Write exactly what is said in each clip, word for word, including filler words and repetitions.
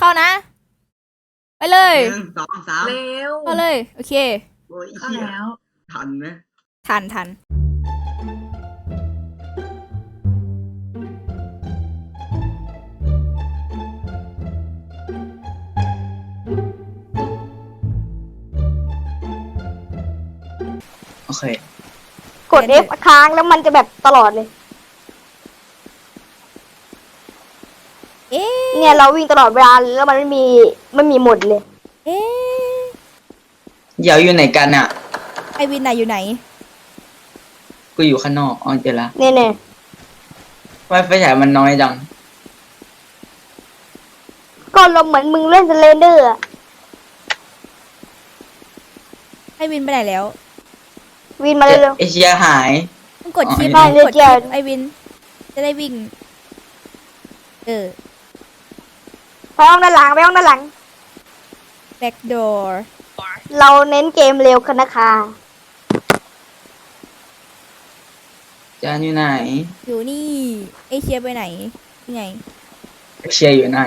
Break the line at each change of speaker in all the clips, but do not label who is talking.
เข้านะไปเลย
หนึ่งสองสาม
เร็ว
เข้าเลยโอเค
โอ้ย
เข้า
เหี้ย
แล้ว
ทันไหม
ทันทัน
โอเค
กด F ค้างแล้วมันจะแบบตลอดเลย
เอ๊ะ
เนี่ยเราวิ่งตลอดเวลาแล้วมันไม่มีไม่มีหมดเลย
เอ๊ะ
เดี๋ยวอยู่ไหนกันอ่ะ
ไอวินน่ะอยู่ไหน
กูอยู่ข้างนอกอ๋อเจอละ
เนี่ยเนี่ย
ไฟไฟฉายมันน้อยจัง
ก็เราเหมือนมึงเล่นสเลนเดอร์อะ
ไอวินไปไหนแล้ว
วินมาเร็ว
เอเชียหาย
มึงกด
อ๋อ
ชิป
ไอ้
มึ
วิน
งกด
เดี๋
ชิ
ยว
ปไอวิน จะได้วิ่ง เออ
ๆไปห้องด้านหลังไปห้องด้านหลัง
back door
เราเน้นเกมเร็วกันนะคะ
จานอยู่ไหน
อยู่นี่เอเชียไปไหนยังไง
เอเชียอยู่นั่น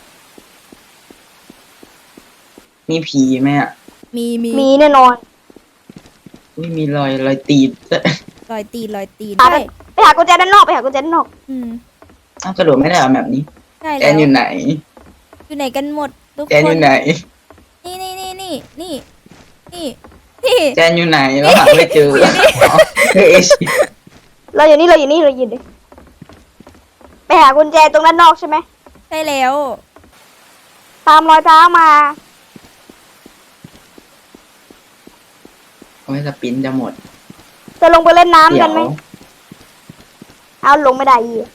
มีผีไหมอ่ะ
มีมี
มีแน่นอน
ไม่มีรอยรอยตีน
รอยตีนรอยตีน
หา
ใช่
ไปหากุญแจด้านนอกไปหากุญแจด้านนอก
อืม
อ้าวกระโดดไม่ได้เหรอแบบนี้
ใช่
แจ
แล้ว
นอยู่ไหน
อยู่ไหนกันหมดทุก
แจน
ค
อน ยู่ไหน
นี่นี่นี่นี่นี่นี่นี่
แจนอยู่ไหนเราหาไม่เจออ๋อเออเอเชีย
เราอยู่นี่เราอยู่นี่เราอยู่นี่ไปหากุญแจตรงด้านนอกใช่ไหม
ใช่แล้ว
ตามรอยเท้ามา
โอ้ยสปินจะหมด
จะลงไปเล่นน้ำ
เดี๋
กั
ย
น
ว
ไหมเอาลงไม่ได้อีก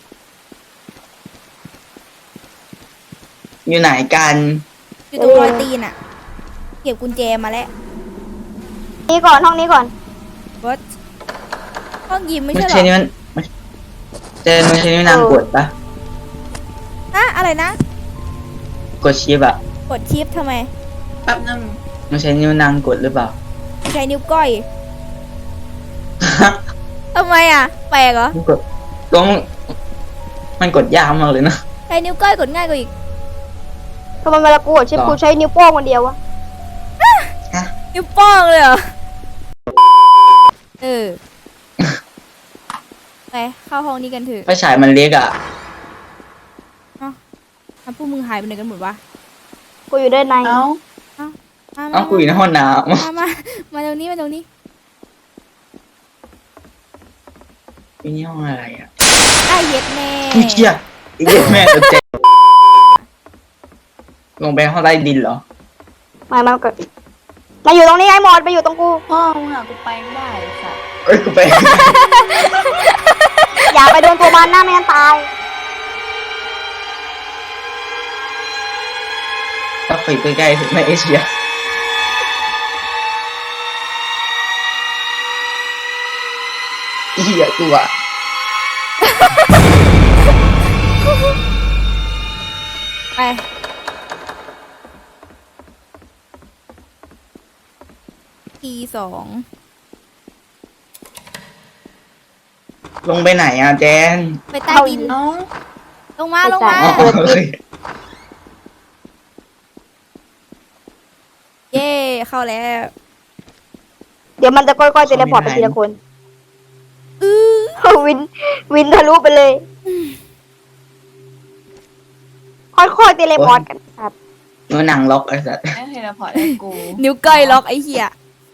อยู่ไหนกัน
อยู่ตรงรอยตีนอ่ะ เก็บกุญแจมาแล้ว
นี่ก่อนห้องนี้ก่อน
วัดห้องยิมไม่
ไม่
ใช่เหร
ใช่
อ
นี่มันมันเจนไม่ใช่นี่นางกดปะ
อะอะไรนะ
กดชิปอะ
กดชิปทำไม
แป๊บนึง
ไม่ใช่นิ้วนางกดหรือเปล่า
ใช้นิ้วก้อยทำไมอ่ะ แปลกเหรอ
มันกดต้องมันกดยากมากเลยนะ
ใช้นิ้วก้อยกดง่ายกว่าอีก
ทำไมเวลากูกดชิป
ต่อ
กูใช้นิ้วโป้งคนเดียววะ
ฮะ
นิ้วโป้งเลยเหรอ เออ ไปเข้าห้องนี้กันเถอะ
ไฟฉายมันเล็กอะ
อ่ะพวกมึงหายไปไหนกันหมดวะ
กูอยู่ด้านใน
เอ้า
มา
เอ้า
มา
กูอยู่ในห้องน้
มา มา มาตรงนี้มาตรงนี้
ำนี่ห้องอะไรอะ
ไอ้เย็ดแม่
พี่เชี่ยไอ้เหี้ยแม่ตัวเจ๊ลงไปห้องใต้ดินเหรอ
มามาก่อนมาอยู่ตรงนี้ไอ้หมดมาอยู่ตรงกู
พ่อมึงอะกูไปไม่ได้ไอ้สัส
เอ้ยกูไป
อย่าไปโดนตัวมันหน้าไม่งั้นตาย
ถ้าไปใกล้ๆถึงในเอเชียเหี้ยกูอะ
ไป ทีสอง
ลงไปไหนอะแจน
ไปใต้ดิน
เอ้า
ลงมา ลงมา
อ๋อโอเค
เย่เข้าแล้ว
เดี๋ยวมันจะค่อยๆเทเลพอร์ตไปทีละคน
อือ
วิน วินทะลุไปเลย ค่อยๆเทเลพอร์ตกันครับ
นิ้วนางล็อกไอ้สัส
ไม่เทเลพอร์ตให้กู
นิ้วก้อยล็อกไอ้เหี้ย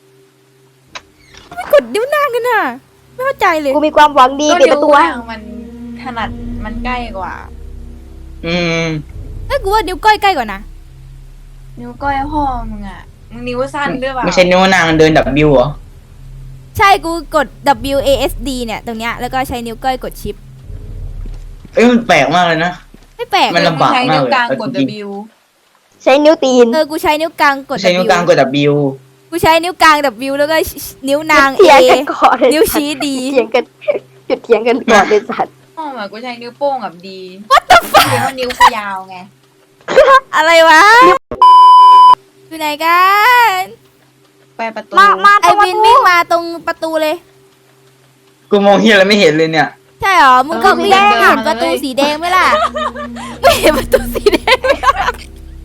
ไม่กดนิ้วนางกันน่ะ ไม่เข้าใจเลย
กูมีความหวังดี
ก็
ปิด
นิ้
ป
ว
ระตู
ก
ให้
ลางมันถนัดมันใกล้กว่า
อืม
เอ้ยกูว่านิ้วก้อยใกล้กว่านะ
นิ้วก้อยพ่อมึงอะมึงนิ้วสั้นหรือเปล่า
ไม่ใช่นิ้วนางเดินดับบิวเหรอ
ใช่กูกด W A S D เนี่ย ตรงเนี้ย แล้วก็ใช้นิ้วก้อยกดชิป
เอ้ยมันแปลกมากเลยนะ
ไม่แปลก
มัน
เลย
ลำบาก
ใช้นิ้วกลางกด
มากเลย
W
ใช้นิ้วตีน
เออ กูใช้นิ้วกลางกด
ใช้นิ้ว
W
กลางกดดับบิว
กูใช้นิ้วกลาง W แล้วก็นิ้วนาง
เถียง
A
กันก่อนเลย
นิ้วชี้ D
เถียงกันหยุดเถียงกันก่อนเลยสัตว์
พ่อเหมือนกูใช้นิ้วโป้งกับดี What the fuck เพราะนิ้วกูยาวไง
อะไรวะ อยู่ไหนกัน
ไปประตู
มามาต
ไอ
รงประ
วิน
ตู
วิ่งมาตรงประตูเลย
กูมองเฮียอะไรไม่เห็นเลยเนี่ย
ใช่เหรอ มึงก็วิ่งเห็นประตูสีแดงไหมล่ะ ไม่เห็นประตูสีแดงไหมล่ะ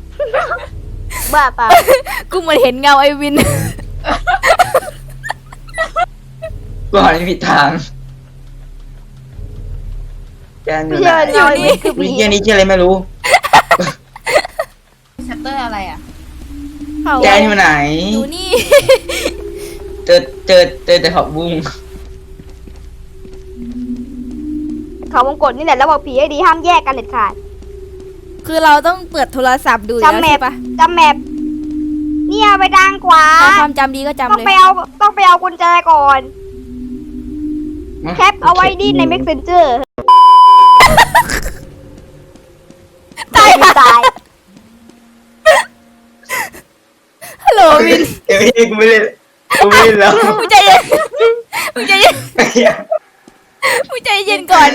บ้าเปล่า
กูเหมือนเห็นเงาไอวิน
กูหันไปผิดทางแกนอ
ไม่
ยู่ไหน
ใช่เรานี่คือ
วิ
ผี
เฮียนี้ชื่ออะไรไม่รู้
ชัตเตอร์อะไรอ่ะ
เขา
แกนอยู่ไหน
อยู่นี่
เจอเจอเจอแต่ผักบุ้ง
เขาวงกดนี่แหละแล้วบอกผีให้ดีห้ามแยกกันเด็ดขาด
คือเราต้องเปิดโทรศัพท์ดูอยู่
จำ
แล้ว
แม
ใช่
ป
ปะ
จำแมปเนี่ยไปทางขวา
ใครความจำดีก็จำ
ต้อง
เลย
ไปเอาต้องไปเอากุญแจก่อน แคปเอาไว้ดิใน messenger ตายตาย
ฮัลโหลวิน
เดี๋ยวพี่กูไม่เล่นกูไม่เล่นแล้ว
มึงใจเย็นมึงใจเย็น
ไอ้เหี้ย
มึงใจเย็นก่อน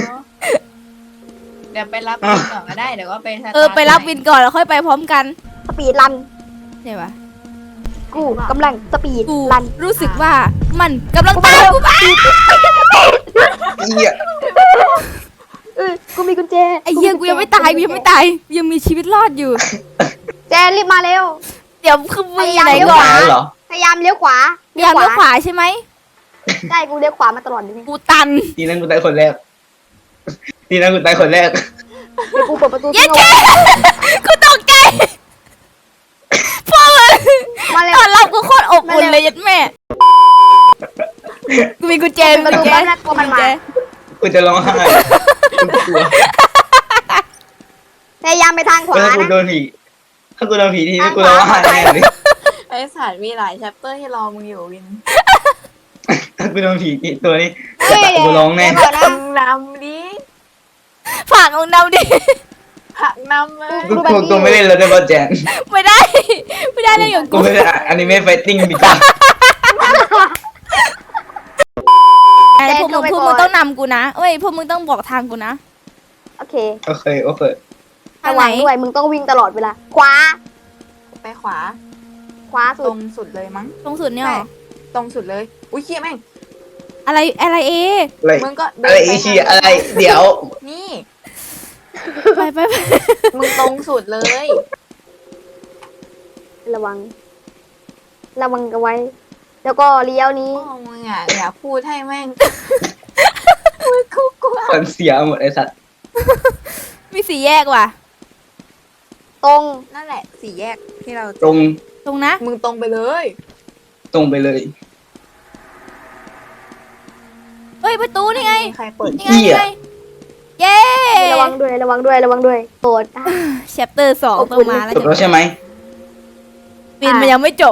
เดี๋ยวไปรับวินก่อนก็ได้เดี๋ยวก็ไปสตาร์ท
เออไปรับวินก่อนแล้วค่อยไปพร้อมกัน
สปีดรัน
ใช่ปะ
กูกำลังสปีด
กู
รัน
รู้สึกว่ามันกำลังตามกูมา
ไอ้เหี้ย
เออกูมีกุญแจ
ไอ้เหี้ยกูยังไม่ตายกูยังไม่ตายยังมีชีวิตรอดอยู่
แจนรีบมาเร็ว
เดี๋ยวคือมึงอยู่ไหน
เดี๋ยว
ก่อน
ตายแล้วเหรอ
พยายามเลี้ยวขวา
พยายามเลี้ยวขวาใช่ไหม
ใช่กูเลี้ยวขวามาตลอดเลยเนี่ย
กูตัน
ทีนั้นกูตายคนแรกทีนั้นกูตายคนแรก
เดี๋ยวกูเปิดประตู
เย็
ทิ้
ด
งเอา
แค่
ไว้
กูตกใจพ่อมึง
มาเร็ว
ตอนรับกูโคตรอบอุ่นเลยยัดแม่กูมีกุญแจมี
มา
กุ
ดู
ญแจ
บ้านน่ากลัวมันมา
กูจะร้องไห้กูกลัว
พยายามไปทางขวา
ถ้ากู
นะ
โดนผีถ้ากูโดนผีทีนี้กูร้องไห้แน่เลย
ไอ้สารมีหลายชัปเตอร์ที่รอมึงอยู่วิน
ถ้ากูโดนผีอีกตัวนี้
เฮ้ย
กูร้องแน่
เดี๋ยวก่อนนะ
มึงนำดิ
ฝากเอานำดิ
ผักนำเลย
กูกูกูไม่เล่นแล้วได้ป่ะแจน
ไม่ได้ ไม่ได้เลยอย่าง
กู
กู
ไม่ได้อนิเมะไฟติ้งดีกว่า
ไอ้พวกมึงพวกมึงต้องนำกูนะเอ้ยพวกมึงต้องบอกทางกูนะ
โอเค
โอเคโอเค
ทาง
ระ
ไหน
วังด้วยมึงต้องวิ่งตลอดเวลา ขวา
ไปขวา
ขวา
ต
สุ
ร
ด
งสุดเลยมั้ง
ตรงสุดเนี่ยเหรอ
ตรงสุดเลย อุ้ยเขี้ยแม่ง
อะไรอะไรเอ
อะไร
มึงก็เดิ
อะไร
น
อี
ไป
ชีอะไร เดี๋ยว
นี่
ไปไปไป
มึงตรงสุดเลย
ระวัง ระวังกันไว้ แล้วก็เลี้ยวนี้
พ่อมึงอ่ะอย่าพูดให้แม่งมึงกูกลัว
คนเสียหมดไอ้สัตว์
มีสี่แยกว่ะ
ตรง
นั่นแหละสี่แยกที่เรา
ตรง
ตรงนะ
มึงตรงไปเลย
ตรงไปเลย
เฮ้ยประตูนี่ไง
ใครเปิด
นี่ไงนี่ไงเย้
ระวังด้วย ระวังด้วย ระวังด้วยโปรดอ่ะ
แชปเตอร์สองต้องมาแล้ว
จบแล้วใช่ไหม
ปินมันยังไม่จบ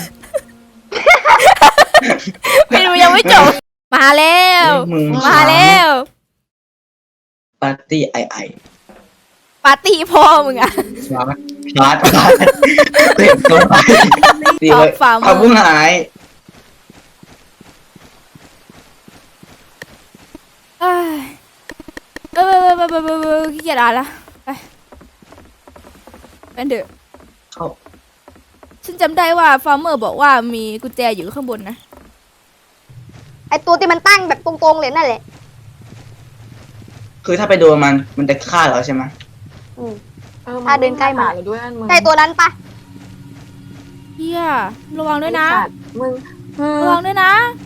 ปินมันยังไม่จบ มาแล้ว
มึง
มาแล้ว
ปาร์ตี้ไอไอ
ปาร์ตี้พ่อมึงอะ
ชาร์จชาร์จชาร์จเต็มตัวไปตีเลย
ฝ่ามือ
เอาพุ่งหาย
เอ้ยเออเออเออเออเออขี้เกียจอ่านละไปเป็นเถอะ
เข้า
ฉันจำได้ว่าฟาร์มเมอร์บอกว่ามีกุญแจอยู่ข้างบนนะ
ไอตัวที่มันตั้งแบบตรงๆเลยนั่นแหละ
คือถ้าไปโดนมันมันจะฆ่าเราใช่ไหม
อืม
ออ
ถ้าเดินใกล้มา
เลยด้วยนั่นมึง
ใช่ตัวนั้นปะ
เฮียระวังด้วยนะ
ไอ้สัตว์มึงมึง
ระวังด้วยนะ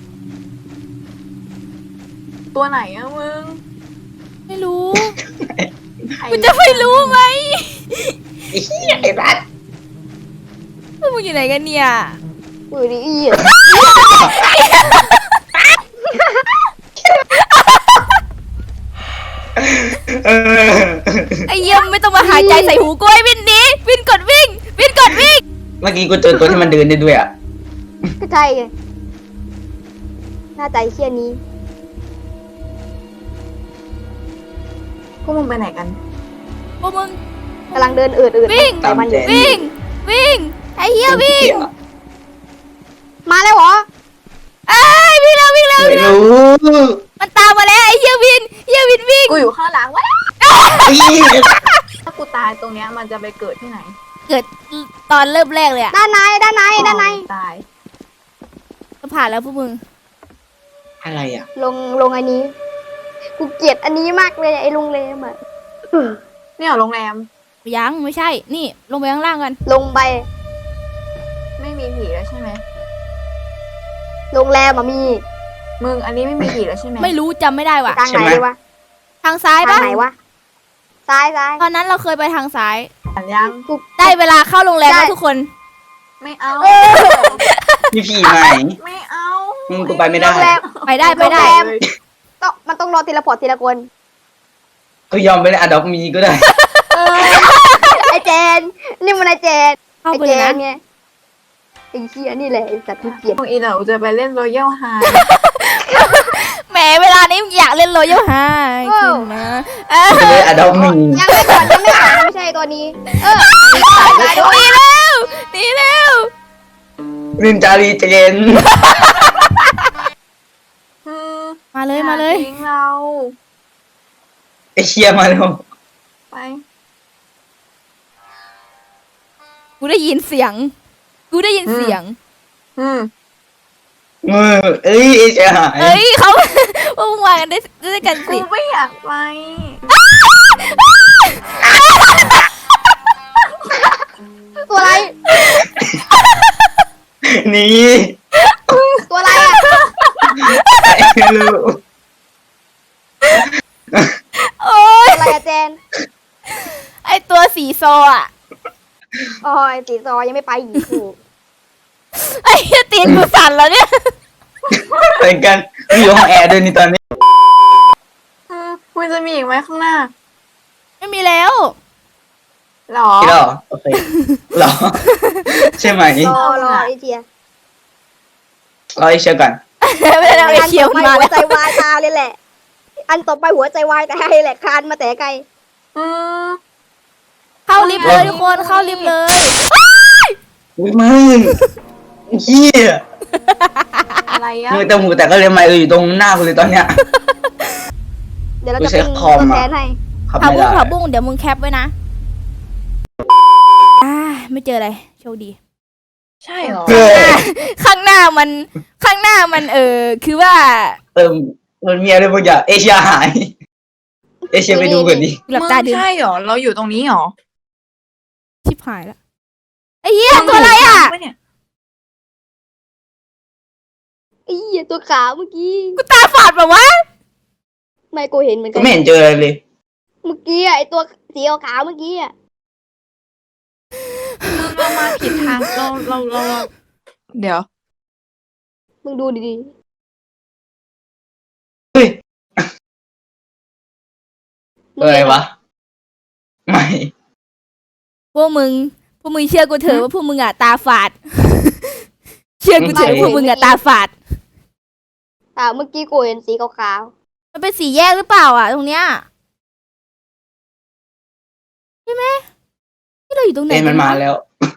ตัวไหนอะมึง
ไม่รู้
ไอ้
กูจะไม่รู้ไหม
ไอ้เหี้ยไอ้รัด
พวกมึงอยู่ไหนกันเนี่ย
อุ้ยนี่อีอะ
เออ
ไอ้เยี่ยมไม่ต้องมาหายใจใส่หูกล้วยวินหนี้วินกดวิ่ง วินกดวิ่ง
เมื่อกี้กูเจอตัวที่มันเดินได้ด้วยอ่ะ
ก็ใช่ไงหน้าใจเคียนี้
พวกมึงไปไหนกัน
พวกมึง
กำลังเดินเอืดเอืด
วิ่ง
แต่มันอยู่
วิ่ง วิ่ง ไอ้เหี้ยวิ่ง
มาแล้วเหรอ
ไอ้ยวิ่งแล้ววิ่งแล้ว
ไม่รู้
มันตามมาแล้วไอ้เหี้ยวินเหี้ยวินวิ่ง
กูอยู่ข้างหลังวะ
อี๋
ถ้ากูตายตรงเนี้ยมันจะไปเกิดที่ไหน
เกิดตอนเริ่มแรกเลยอะ
ด้านในด้านในด้านใน
ตาย
ก็ผ่านแล้วพวกมึง
อะไรอ่ะ
ลงลงอันนี้ กูเกลียดอันนี้มากเลยไอ้โรงแรมอ่ะ
เนี่ยโรงแรม
ยังไม่ใช่ นี่ลงไปข้างล่างกัน
ลงไป
ไม่มีผีแล้วใช่ไหม
โรงแรมอะมี
มึงอันนี้ไม่มีผีแล้วใช่ไหม
ไม่รู้จำไม่ได้ว่ะ
ทางไหนดีวะ
ทางซ้าย
ทา
ปะ
งไหนวะ ซ้ายซ้าย
ตอนนั้นเราเคยไปทางซ้าย
อ่านยัง
กู
ได้เวลาเข้าโรงแรม
ได้
แล้วทุกคน
ไม่เอา
มีผีไหม
ไม่เอา
อืมกูไปไม่ได้
โรงแรม
ไปได้ไปได้
โรงแรม ต้องมันต้องรอทีละพอร์ตทีละคน
ก็ยอมไปเลยอะดอกมีก็ได้
ไอเจน นี่มันไอเจน
เข้า
ไอ
ไป
เจ
เลย
น
นะ
ไงไอเชี่ยนี่แหละไอสัตว์ที่เกลียด
พวกอีเหล่าจะไปเล่นรอยัลไฮ
แหมเวลานี้อยากเล่นโรยัลไฮขึ้นนะเออ
ไปเลยอะดอกมี
ยังไม่ก่อนยังไม่ก่อนไม่ใช่ตัวนี้ เออ
หนีแล้วหนีแล้ว
รินจารีเจน
อืม
มาเลยมาเลย
อทิ้งเรา
ไอเชียมาแล้ว
ไป
กูได้ยินเสียง กูได้ยินเสียง
อืม
เออเอ้ยไอเชียหาย
เอ้ยเขา พวกมึงมากันได้ด้วยกัน
กู
สิ
ไม่อยากไป
ตัวอะไร
หนี่
ตัวอะไรอ่ะ
ไม่รู้
โอ้ย
ตัวอะไรอะเจน
ไอตัวสีโซอ่ะ
อ๋อไอสีซอยังไม่ไปอีกถูก
ไอ้เหี้ยตีนกูสั่นแล้วเนี่ย
เหมือนกันมีอยู่ห้องแอร์ด้วยนี่ตอนนี้
อืมมันจะมีอีกไหมข้างหน้า
ไม่มีแล้ว
หรอ
เหรอโอเคเหรอใช่ไหม
รอรอไอเจีย
รอไอเชียก่อน
ไม่ได้เอาไอ้
อัน
เคียว
ต่อไป
มา
หั
แล้ว ว
ใจวายตาเลยแหละ อันต่อไปหัวใจวายตาเลยแหละคานมาแต่ไกล
อืม
เข้าลิฟต์เลยทุกคนเข้าลิฟต์เลย
อุ้ยมึงเฮีย
อะไรอะ
มือแต่หมูแต่ก็เลยมาเอออยู่ตรงหน้ากูเลยตอนเนี้ย
เดี๋ยวเรา
กู
จะ
ใช้
เป็น
คอม
ตัว
อะ
แทนให้
ขับ
ผั
ไม่
บุ้ง
ได้
ผับุ้งเดี๋ยวมึงแคปไว้นะ อ่า ไม่เจออะไร โชคดี
ใช่เหรอ
เออ
ข้างหน้ามัน ข้างหน้ามันเออ คือว่า
เออมันมีอะไรบางอย่างเอเชียหาย เอเชียไปดูกันดิ
หลับตาดู
ใช่เหรอ เราอยู่ตรงนี้เหรอ
ชิบหายแล้วไอ้เหี้ยตัวอะไรอ่ะ
มึงเห็นปเนี่ย
ไอ้เหี้ยตัวขาวเมื่อกี้
กูตาฝาดแบบวะ
ไม่กูเห็นเหมือนกั
ก็
น
ไม่เห็นเจออะไรเลย
เมื่อกี้อะไอตัวสีขาวๆเมื่อกี้อะ
มึงเรามาผิดทางเราเราเราเราเดี๋ยว
มึงดูดี
เฮ้ย
ๆ
อะไรวะไม่
พวกมึง พวกมึงเชื่อกูเถอะว่าพวกมึงอ่ะตาฝาด เชื่อกูเถอะว่าพวกมึงอ่ะตาฝาด
อ่าเมื่อกี้กูเห็นสีขาว
มันเป็นสี่แยกหรือเปล่าอ่ะ ตรงเนี้ยใช่ไหมที่เราอยู่ตรงไหน
เอ็นมัน
กั
มาว
ะ
แล้ว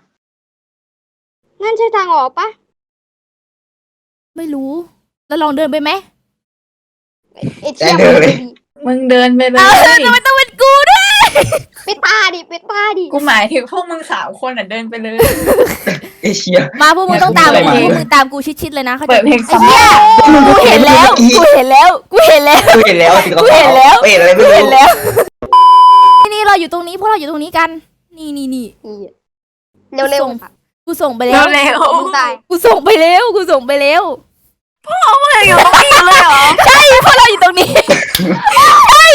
ๆนั่นใช่ทางออกปะ
ไม่รู้ แล้วลองเดินไปไหม
ไอเชี่ย
ได้เลย
มึงเดินไปเล
เออย ทำไมต้องเป็นกูด้วย
ปิดตาดิปิดตาดิ
กูหมายถึงพวกมึงสามคนอ่ะเดินไปเลย
เอเชีย
มาพวกมึงต้องตาม
เปิ
กู
ดเพลง
พวกมึงตามกูชิดๆเลยนะเขา
เปิ
ใจ
ดเพลง
ไอ้เหี้ยกูเห็นแล้ว กูเห็นแล้ว กูเห็นแล้ว
กูเห็นแล้วสิ
กูเห็นแล้ว
เห็นอะไรไม่
กู
รู้
เห็นแล้ว นี่นี่เราอยู่ตรงนี้พวกเราอยู่ตรงนี้กัน นี่นี่นี่
อีอะเร็วเร็ว
ส่ง กูส่งไป
เร็
แล้ว
วเร็ว
มึงตาย
กูส่งไปแล้ว กูส่งไปแล้ว
มึงอยู่ตรงนี้เลยเหรอ
ใช่พวกเราอยู่ตรงนี้ใช่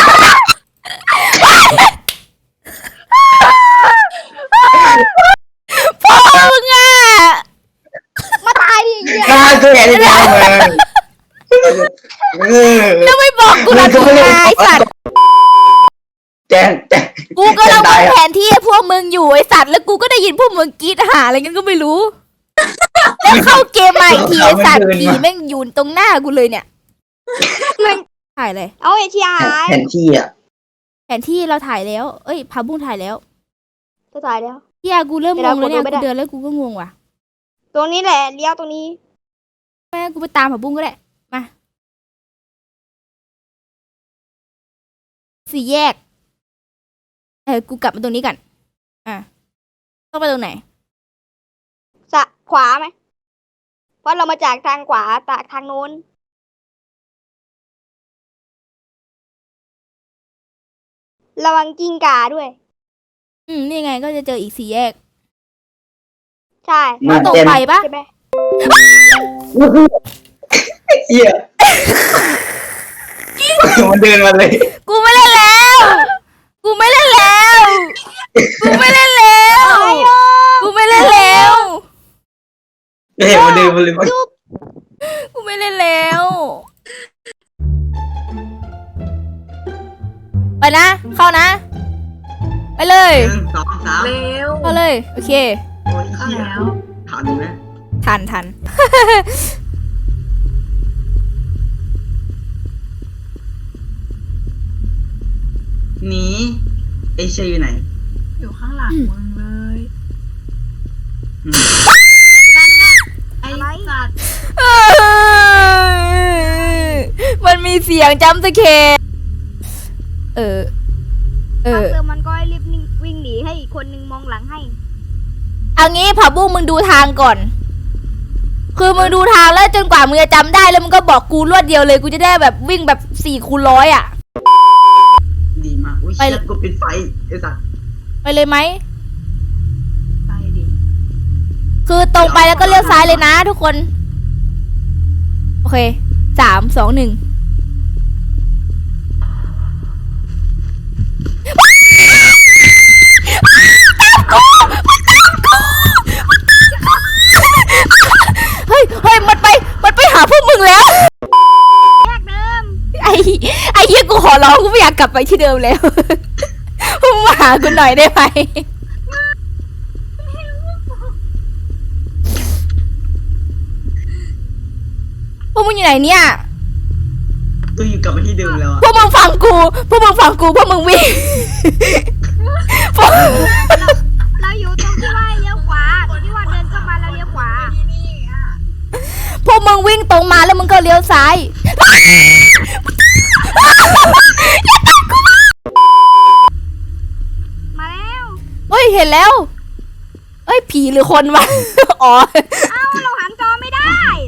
พ่อมึงอ่ะ
มาตายดิไอ้เหี้ย
น่าเกลียดจังเลยเออ
แล้วไม่บอกกูละกูไงไอ้สัตว์
แจนแจน
กูก็ลัง
แจน
ม
ตา
อย ง
อะ
แผนที่ให้พวกมึงอยู่ไอ้สัตว์แล้วกูก็ได้ยินพวกมึงกรีดหาอะไรกันก็ไม่รู้ แล้วเข้าเกมมาอีกทีไอ้สัตว์ผีแม่งอยู่ตรงหน้ากูเลยเนี่ยถ่ายเลย
เอาไอเชียหาย
แผนที่อ่ะ
แผนที่เราถ่ายแล้ว เอ้ยพาบุ้งถ่ายแล้ว
ตัวตายแล้ว
เฮียกูเริ่มงงแล้วเนี่ย
ไม่ได้
กูเดินแล้วกูก็งงว่ะ
ตรงนี้แหละเลี้ยวตรงนี้
แม่กูไปตามพาบุ้งก็ได้มาสี่แยกเออกูกลับมาตรงนี้กันอ่ะต้องไปตรงไหน
สะขวาไหมเพราะเรามาจากทางขวาจากทางโน้น ระวังกิ้งก่าด้วย
อืมนี่ไงก็จะเจออีกสี่แยก
ใช่
มา
ตรง
เต็ม
ไปปะ
ใช่ไหม
เหี้ยมันเดินมาเลย
กูไม่เล่นแล้ว กูไม่เล่นแล้ว กูไม่เล่นแล้ว กูไม่เล่นแล้ว
เห็นมันเดินมาเลยมัน
กูไม่เล่นแล้ว ไปนะ เข้านะ ไปเลย
หนึ่งสองสาม
เร็ว
เข้าเลย โอเค
โอ้ย
เข้า
เหี้ย
แล้ว
ทันไหม
ทันทัน
หนีไอเชยอยู่ไหน
อยู่ข้างหลังมึงเลย
อืม
ไอ้สัตว์
มันมีเสียงจำสเคเออ เออ
เติมมันก็ให้รีบวิ่งหนีให้อีกคนนึงมองหลังให้
เอางี้ผับบุ้งมึงดูทางก่อน คือมึงดูทางแล้วจนกว่ามึงจะจำได้แล้วมึงก็บอกกูรวดเดียวเลยกูจะได้แบบวิ่งแบบสี่คูณร้อยอ่ะ
ดีมากอุ้ย
ไป
เชี่ยกูปิดไฟไอ้สัตว์
ไปเลยไหม
ไปดิ
คือตรงไปแล้วก็เลี้ยวซ้ายเลยนะทุกคน โอเค สาม สอง หนึ่ง เฮ้ย เฮ้ย มันไป มันไปหาพวกมึงแล้ว
แยกเดิม
ไอ้ ไอ้เหี้ยกูขอร้องกูไม่อยากกลับไปที่เดิมแล้ว พวกมึงมาหากูหน่อยได้ไหม พวกมึงอยู่ไหนเนี่ย
กูอยู่กลับมาที่เดิมแล้วอะ
พวกมึงฟังกู พวกมึงฟังกู พวกมึงวิ่ง พวก
เราอยู่ตรงที่ว่าเลี้ยวขวาตรงที่ว่าเดินเข้ามาแล้วเลี้ยวขวา
ที่นี่อ่ะ
พวกมึงวิ่งตรงมาแล้วมึงก็เลี้ยวซ้าย
มาแล้ว
เฮ้ย เห็นแล้ว เอ้ย ผีหรือคนวะ อ๋อ
เอ้าเราหันจอไม่ได้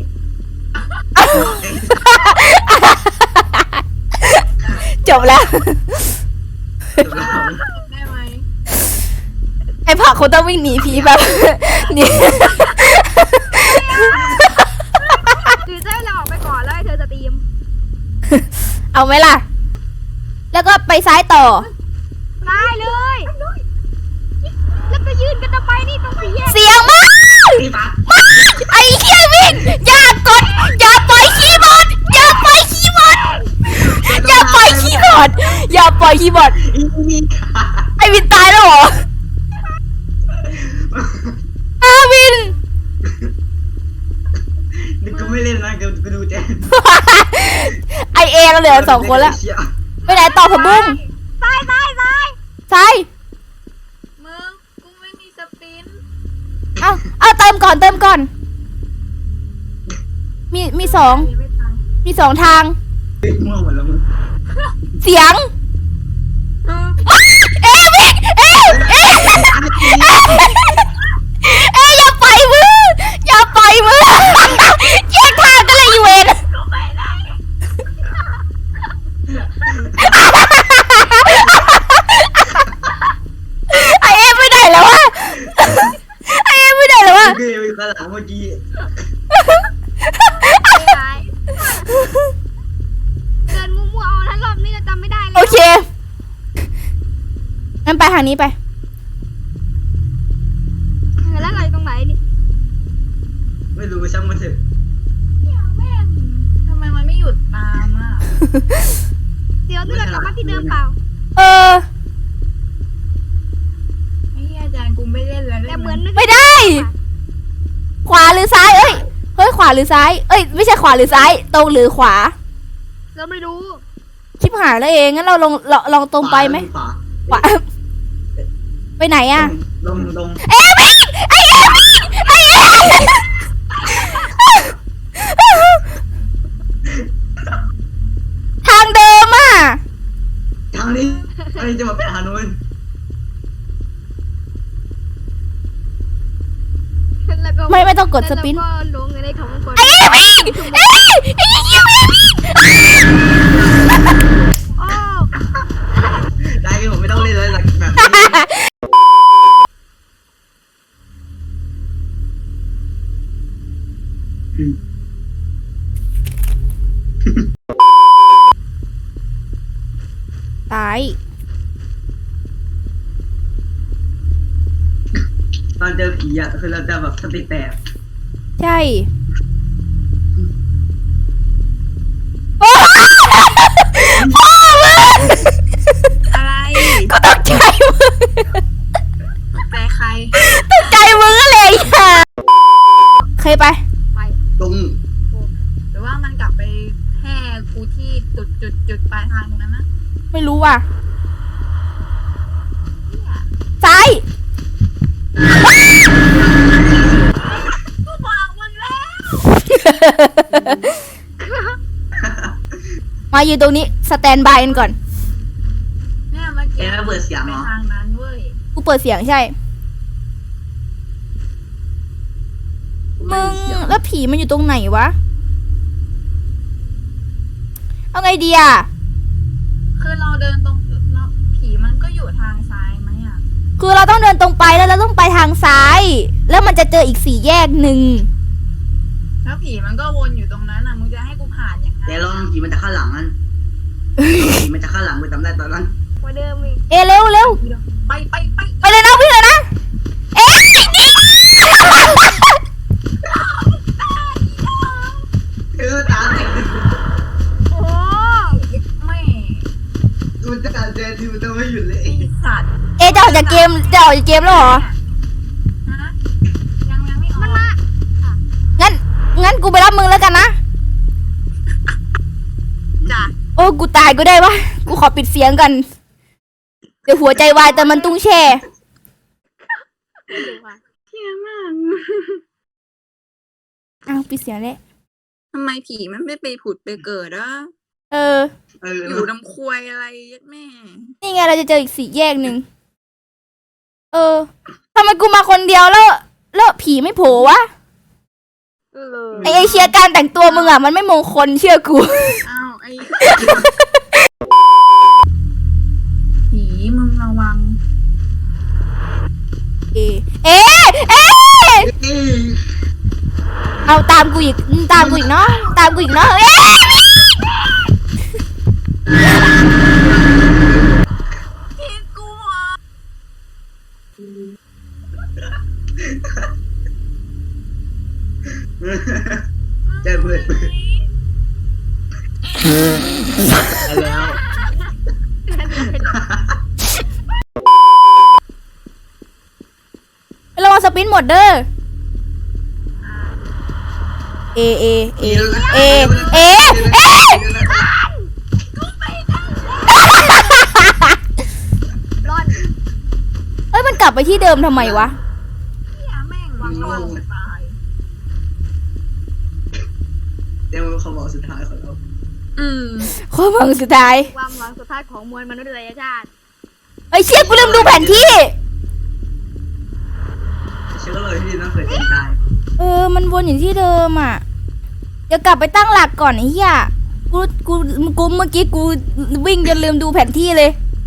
จบแล้ว
จบแล้ว
ได้ไหม
ไอ้ผักคนต้องวิ่งหนีผีแบบ หนี
หรือจะให้เราออกไปก่อนแล้วให้เธอสตรีม
เอาไหมล่ะ แล้วก็ไปซ้ายต่อ
ได้เลย แล้วก็ยืนกันต่อไปนี่ตรงสี่แยก
เสียงมาก
พี่ปั๊ก
ไอ้เหี้ยวิ่งอย่ากด อย่าปล่อยคีย์บอร์ด อย่าปล่อยคีย์บอร์ด อย่าปล่อยคีย์บอร์ด อย่าปล่อยคีย์บอร์ด
อีนี่ค่ะ
ไอ้วินตายแล้วเหรออาวิน
เดี๋ยวกูไม่เล่นนะกูกูดูแจน
ไอเอเราเหลือสองคนแล้ว
เชี่ย
ไปไหนต่อผับบุ้ง
ซ้ายซ้ายซ้าย
ซ้าย
มึงกูไม่มีสปรินต์
เอาเอาเติมก่อนเติมก่อน มีมีสอง
ไม่ตังค์
มีสองทาง
เฮ้ยม่วงหมดแล้วมึง
เสียง
เออ
เอ้ยวิ่งเอ้ยเอ้ยเอ้ยอย่าไปมืออย่าไปมือแยกทางกันเลยอีเวน
กูไปได้
ไอเอ็มไม่ได้แล้ววะไอเอ็มไม่ได้แล้ววะ
กูยังมีข้างหลังเมื่อกี้
ซ้ายเดินมั่วๆเอาทั้งรอบนี้เราจำไม่ได้เล
โอย เคงั้นไปทางนี้ไป
แล้วเราอยู่ตรงไหนนี่
ไม่รู้ช่างมันเถอะ
เนี่ยแม่งทำไมมันไม่หยุดตามอ่ะ
เดี๋ยวนี่เรากลับมาที่เดิมเปล่า
เออ
ไอ้เหี้ยอาจารย์กูไม่เล่นแล้ว
แต่เหมือน
ไม่ได้ ขวาหรือซ้าย เอ้ย เฮ้ย ขวาหรือซ้าย เอ้ย ไม่ใช่ขวาหรือซ้าย ตรงหรือขวา
เราไม่รู้
ชิบหายแล้วเอง งั้นเราลองลองลองตรงไปไหม
ขวา
ขวา ไปไหนอะ
ลงลง
เอ้ยวิ่งไอ้เอ้ยวิ่งไอ้เอ้ย ทางเดิมอะ
ทางนี้อันนี้จะมาเป็นทางนู้น
แล้วก็
ไม่ไม่ต้องกดสปิน
แล้วก็ลงในของคน
ไอ้เอ้ยวิ่งเอ้ยไอ้เอ้ยวิ่ง
โอ้
ได้คือผมไม่ต้องเล่นเลยแบบนี้อนเจอผีอ่ะคือเราจะแบบสติแตก
ใช่โอ้พ่อมึง
อะไร
ก็ตกใจมึง
แต่ใคร
ตกใจมึงอะไรอ่ะเคยไป
ไป
ตรง
หรือว่ามันกลับไปแห่กูที่จุดจุดจุดปลายทางตรงนั้นนะ
ไม่รู้ว่ะซ้าย
กูบอกมึงแล้ว
มาอยู่ตรงนี้สแตนบายกันก่อน
เนี่ยเมื่อกี้
เอ๊ะเปิดเสียง
ไป
เหรอ
ทางนั้นเว้ย
กูเปิดเสียงใช่ มึงแล้วผีมันอยู่ตรงไหนวะ เอาไงดีอ่ะ
คือเราเดินตรงเราผีมันก็อยู่ทางซ้ายไหมอ่ะ
คือเราต้องเดินตรงไปแล้วเราต้องไปทางซ้าย แล้วมันจะเจออีกสี่แยกหนึ่ง
แล้วผีมันก็วนอยู่ตรงนั้นอ่ะมึงจะให้กูผ่านยังไง
แต่ลองผีมันจะข้างหลังนั่นผีมันจะข้างหลังกูจำได้ตอนนั้น
กว่าเดิมอีก
เอเร็วเร็ว
ไปไปไป
ไปเลยนะวิ่งเลยนะ เอ๊ะนี่
เออตามเลย
โอ้
ไม่
กูจะการเจอที่มันจะไม่หยุดเลย
ไอสัตว์
เอะจะออกจากเกมจะออกจากเกมแล้วเหรอ
ฮะยังยังไม่ออก
มันมา
งั้น งั้นกูไปรับมึงแล้วกันนะ
จ้ะ
โอ้กูตายก็ได้วะ กูขอปิดเสียงกัน เดี๋ยวหัวใจวายแต่มันตุ้งแช่
เที่ยมาก
อ้าวปิดเสียงเลย
ทำไมผีมันไม่ไปผุดไปเกิดอ่ะ
เออ
เออ
อยู่น้ำควยอะไรแม่
นี่ไงเราจะเจออีกสี่แยกหนึ่ง เออทำไมกูมาคนเดียวแล้ว แล้วผีไม่โผล่วะ
เลย
ไอเอเชียการแต่งตัวมึงอ่ะมันไม่มงคลเชื่อกู
อ้าวไอผีมึงระวัง
เอ เอ๊ะเอ๊ะ
เอ้ย
เอาตามกูอีกตามกูอีกเนาะ ตามกูอีกเนาะ เอ๊ะ
ผีกลัว
เจอเพื่อนเพื่อนแล้ว
ระวังสปินหมดเด้อ เอ เอ เอ เอ เอ เอ
ร่อน
เอ้ยมันกลับไปที่เดิมทำไมวะ
เที่ยแม่งวังวังจะตาย
เดี๋ยวเขาบอกสุดท้ายของเรา
อืม
ความหวังสุดท้าย
ความหวังสุดท้ายของมวลมนุษยชาติ
ไอ้ยเชี่ยกูลืมดูแผนที่
เชื่อเลยที่นั่งเปิดเองตาย
เออ มันวนอยู่ที่เดิมอ่ะ เดี๋ยวกลับไปตั้งหลักก่อนไอ้เหี้ย กู กู กูเมื่อกี้กูวิ่งจนลืมดูแผนที่เลย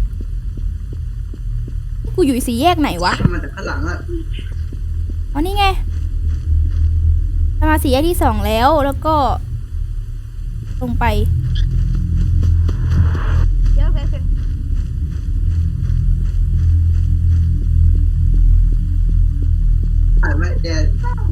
กูอยู่สี่แยกไหนวะ
มันจะข้างหลังอ่ะ
อ๋อนี่ไงเรามาสี่แยกที่สองแล้ว แล้วก็ลงไป
เยอะเลยสิ
ถ่ายไว้เดี๋ยว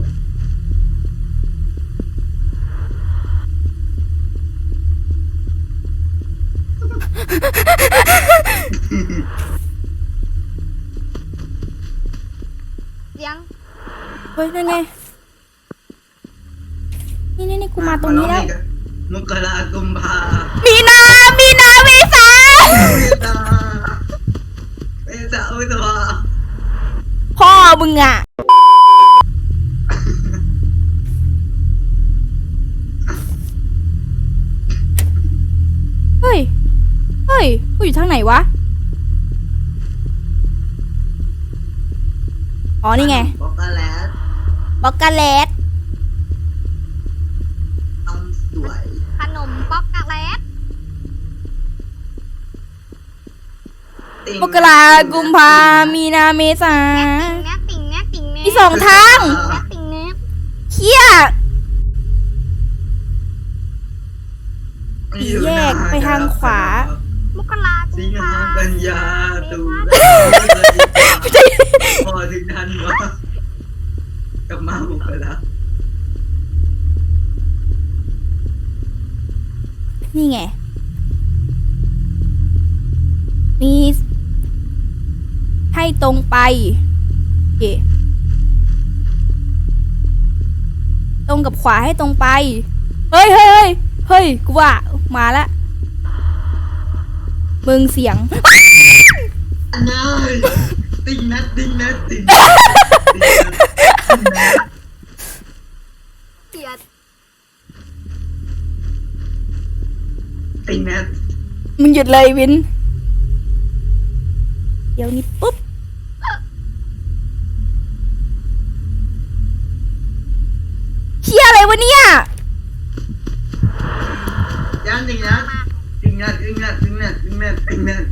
เสียง
เฮ้ยนั่นไง นี่นี่นี่กูมาตรงนี้แล้ว
มกรากุมภา
มีนา มีนาเมษา
เมษาเมษาอุตวา
พ่อมึงอ่ะ เฮ้ย เฮ้ย กูอยู่ทางไหนวะ อ๋อ นี่ไง
บอกกันแล้ว
บอกกาเลต
ต้องสวย
ขนมป๊อกกะแลต
มกรากุมภามีนาเมษา
แนบติ่งแนบติ่งแนบ
มีสองทาง
แนบติ่งแนบ
เฮีย สี่แยกไปทางขวา
มกรากุ
สิ
ม
ง
ภา
หากันยาตุลาพอถึงทันวะ
นี่ไง มี ให้ตรงไปโอเคตรงกับขวาให้ตรงไป เฮ้ยเฮ้ยเฮ้ยเฮ้ยกูว่ามาละมึงเสียง
นายติงนัดติงนัดติง
เสียด
ติงนัด
มึงหยุดเลยวิน เดี๋ยวนี้ปุ๊บเชี่ยอะไรวะเนี่ย
ยังติงนัดติงนัดติงนัดติงนัดติงนัดติงนัด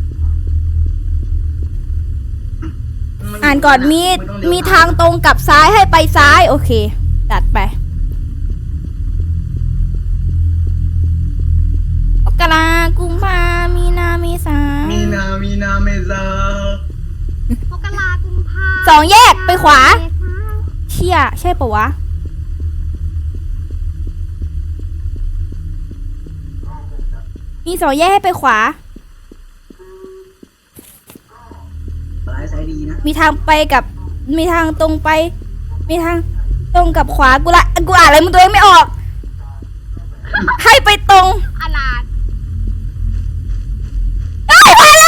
อ่านก่อนมีมีทางตรงกับซ้ายให้ไปซ้าย โอเคจัดไปมกรากุมภามีนาเมษา
มีนามีนาเมษาม
กรากุมภา
สองแยกไปขวา
เมษา
เชี่ยใช่ปะวะ มีสองแยกให้ไปขวา
สายสายดีนะ
มีทางไปกับ มีทางตรงไป มีทางตรงกับขวา กูละ กูอ่านอะไรมึงตัวเองไม่ออก ให้ไปตรง
อาลาด
เอ้ยมาแล้ว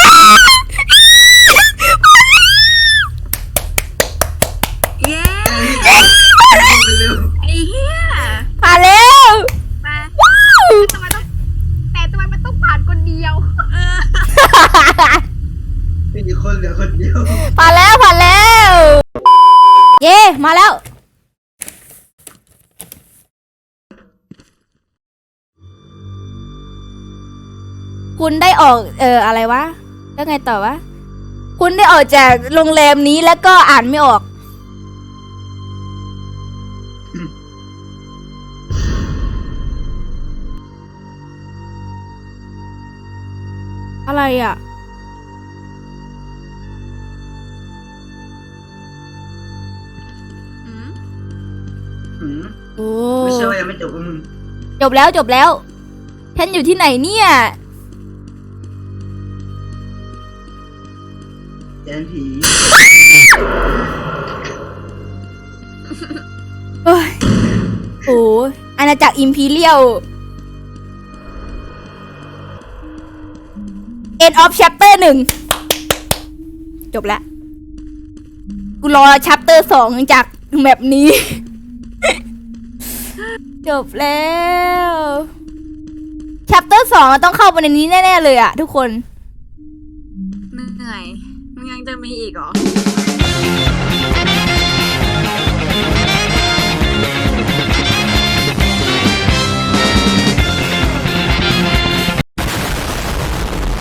เย้
เร็ว
ไอ้เหี้ย
มาแล้ว
มา
ว้าว
ทำไมต้องแต่ทำไมมันต้องผ่านคนเดียว
เออ
มีคนเหลือคนเดียว
ผ่านแล้วผ่านแล้ว เย่มาแล้ว คุณได้ออก เอออะไรวะ แล้วไงต่อวะ คุณได้ออกจากโรงแรมนี้แล้วก็อ่านไม่ออก อะไรอ่ะ
อืม
หืม
โอ้
ไม่ใช่ว่ายังไม่จบมึง
จบแล้วจบแล้ว ฉันอยู่ที่ไหนเนี่ย
แจนผี
เฮ้ยโอ้อาณาจักรอิมพีเรียล End of chapter หนึ่ง จบแล้ว กูรอ chapter สองจากแมปนี้ จบแล้ว chapter สองต้องเข้าไปในนี้แน่ ๆ เลยอะทุกคน
เหนื่อยมึงยังจะมีอีกเหรอ